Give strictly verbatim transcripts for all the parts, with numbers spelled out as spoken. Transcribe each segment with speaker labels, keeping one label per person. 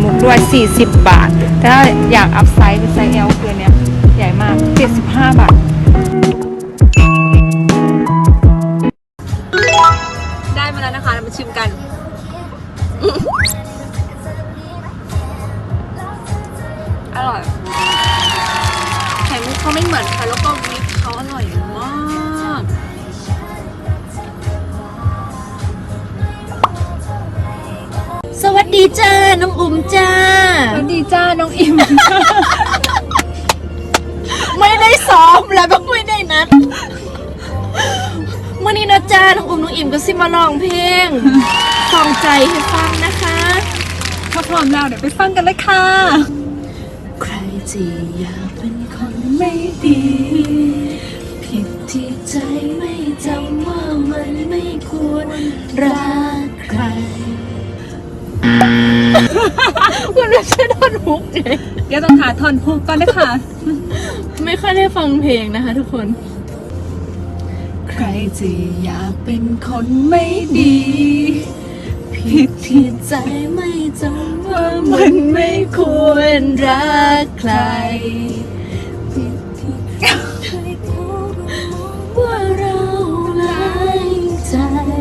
Speaker 1: กด้วยสี่สิบบาทแต่ถ้าอยากอัพไซส์เป็นไซส์ L คือเนี้ยใหญ่มากเจ็ดสิบห้าบาทได้มาแล้วนะคะเรามาชิมกันอร่อยไข่มุกเขาไม่เหมือนใครแล้วก็วิปเขาอร่อยมาก
Speaker 2: สวัสดีจ้าน้องอุ่มจ้า
Speaker 1: สวัสดีจ้าน้องอิม
Speaker 2: ไม่ได้ซ้อมแล้วก็ไม่ได้นัดวันนี้นะจ้าน้องอุ่มน้องอิ่มก็สิมาร้องเพลงส่องใจให้ฟังนะคะ
Speaker 1: ถ้าพร้อมแล้วเดี๋ยวไปฟังกันเลยค่ะ
Speaker 2: ใครที่อยากเป็นคนไม่ดีผิดที่ใจไม่จำว่ามันไม่ควรรักใครคุณไม่ใช่ท่อนฮุกเอง
Speaker 1: เดี๋ยวต้องหาท่อนฮุกก่อนนะคะ
Speaker 2: ไม่ค่อยได้ฟังเพลงนะคะทุกคนใครที่อยากเป็นคนไม่ดีผิดที่ใจไม่จำว่ามันไม่ควรรักใครผิดที่ใครเขาว่าเราหลายใจ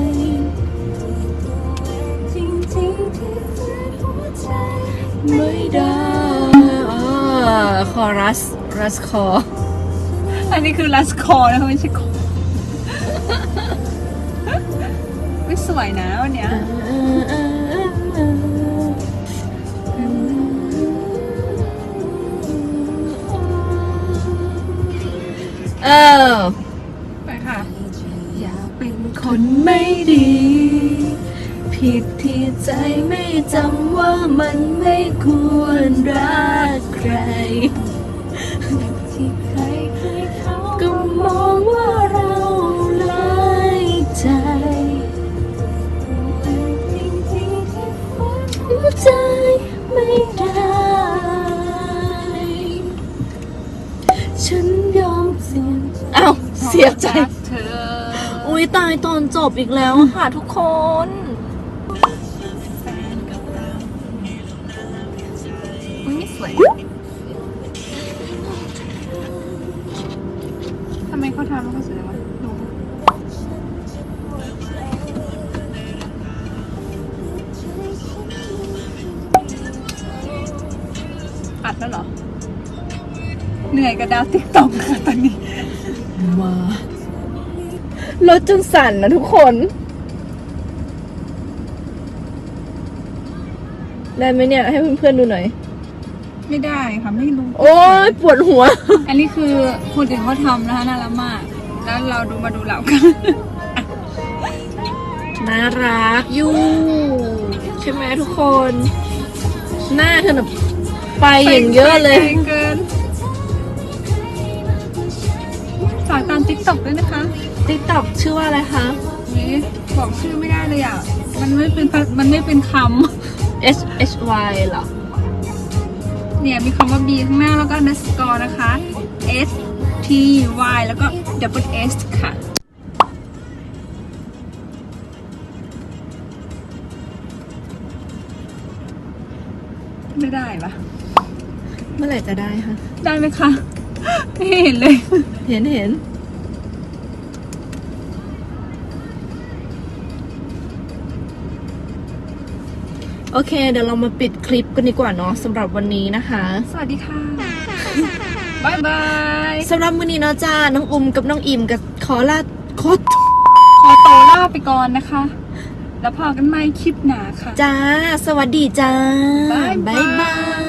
Speaker 2: จริงๆที่แท้หัวใจไม่ได้คอรัสรัสคอ
Speaker 1: อันนี้คือรัสคอนะคะไม่ใช่คอไม่สวยนะวันเนี้ย
Speaker 2: เออ
Speaker 1: ไปค่ะ
Speaker 2: อยากเป็นคนไม่ดีผิดที่ใจไม่จำว่ามันไม่ควรรักใครที่ใครใครเขาก็มองว่าเราหลายใจจริงๆที่ฝันหัวใจไม่ได้ฉันยอมเสียอ้าวเสียใจ
Speaker 1: เธอ
Speaker 2: อุ้ยตายตอนจบอีกแล้วค่ะทุกคน
Speaker 1: ไม่สวยทำไมเขาทำแล้วเขาสวยวะดูอัดแล้วเหรอเหนื่อยกับดาวติ๊กต็อกค่ะตอนนี้
Speaker 2: มารถจนสั่นนะทุกคนได้ไหมเนี่ยให้เพื่อนๆดูหน่อย
Speaker 1: ไม่ได้ค่ะไม่รู้
Speaker 2: โอ้ยปวดหัว
Speaker 1: อันนี้คือคนอื่นเขาทำนะคะน่ารักมากแล้วเราดูมาดูเรากัน
Speaker 2: น่ารักอยู่ใช่ไหมทุกคนหน้าเธอแบบไปอย่างเยอะเลย
Speaker 1: เกินฝากตามติ๊กต็อกด้วยนะคะ
Speaker 2: ติ๊กต็อกชื่อว่าอะไรคะ
Speaker 1: นี่บอกชื่อไม่ได้เลยอ่ะมันไม่เป็นมันไม่เป็นคำ
Speaker 2: S H Y เหรอ
Speaker 1: เนี่ยมีคำว่า B ข้างหน้าแล้วก็ underscore นะคะ S T Y แล้วก็ double S ค่ะไม่ได้ปะ
Speaker 2: เมื่อไหร่จะได้คะ
Speaker 1: ได้ไหมคะไม่เห็นเลย
Speaker 2: เห็นเห็นโอเคเดี๋ยวเรามาปิดคลิปกันดีกว่าเนาะสำหรับวันนี้นะคะ
Speaker 1: สวัสดีค่ะบายบาย
Speaker 2: สำหรับวันนี้เนาะจ้าน้องอุ้มกับน้องอิ่มกับขอลาขอ
Speaker 1: ขอโตลาไปก่อนนะคะแล้วพอกันใหม่คลิปหน้าค่ะ
Speaker 2: จ้าสวัสดีจ้า
Speaker 1: บาย
Speaker 2: บาย